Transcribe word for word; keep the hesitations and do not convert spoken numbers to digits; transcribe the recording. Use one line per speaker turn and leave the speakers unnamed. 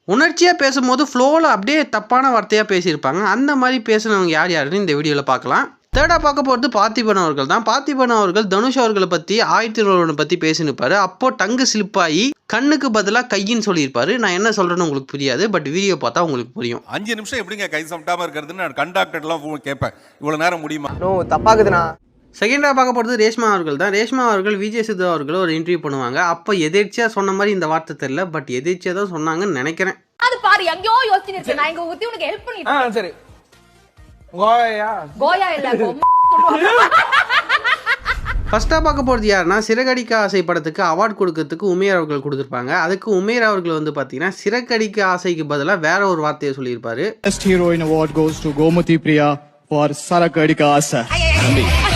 உணர்ச்சியாக பேசும்போது ஃப்ளோவில் அப்படியே தப்பான வார்த்தையாக பேசியிருப்பாங்க. அந்த மாதிரி பேசுனவங்க யார் யாருன்னு இந்த வீடியோவில் பார்க்கலாம். தேர்டாக பார்க்க போகிறது பார்த்திபன் அவர்கள் தான். பார்த்திபன் அவர்கள் தனுஷ் அவர்களை பற்றி ஆயிரத்தி ஒன்று பற்றி பேசினிருப்பாரு. அப்போ டங்கு ஸ்லிப் ஆகி கண்ணுக்கு பதிலாக கையின்னு சொல்லியிருப்பாரு. நான் என்ன சொல்கிறேன்னு உங்களுக்கு புரியாது, பட் வீடியோ பார்த்தா உங்களுக்கு புரியும்.
அஞ்சு நிமிஷம் எப்படிங்க கை சமட்டாமல் இருக்கிறதுன்னு நான் கண்டாக்டர்லாம் கேட்பேன். இவ்வளோ நேரம் முடியுமா?
நோ தப்பாகுதுண்ணா.
செகண்டாக பார்க்க போகிறது ரேஷ்மா அவர்கள் தான். ரேஷ்மா அவர்கள் விஜய் சித்து அவர்கள் ஒரு இன்டர்வியூ பண்ணுவாங்க. அப்போ எதேர்ச்சியாக சொன்ன மாதிரி இந்த வார்த்தை தெரியல, பட் எதேர்ச்சியாக தான் சொன்னாங்கன்னு நினைக்கிறேன்.
அது பாரு எங்கயோ யோசிச்சிட்டு நான் இங்க ஊத்தி உனக்கு ஹெல்ப் பண்ணிட்டேன்.
ஆ சரி. கோயா
கோயா இல்ல
ஃபர்ஸ்ட்டாக பார்க்க போகிறது யாருன்னா சிறகடிக்க ஆசை படத்துக்கு அவார்டு கொடுக்கறதுக்கு உமேர் அவர்கள் கொடுத்துருப்பாங்க. அதுக்கு உமேர் அவர்கள் வந்து பார்த்தீங்கன்னா சிறகடிக்க ஆசைக்கு பதிலாக வேற ஒரு வார்த்தையை சொல்லியிருப்பாரு.
Best Heroine Award goes to Gomuthi Priya for Saragadika Asa.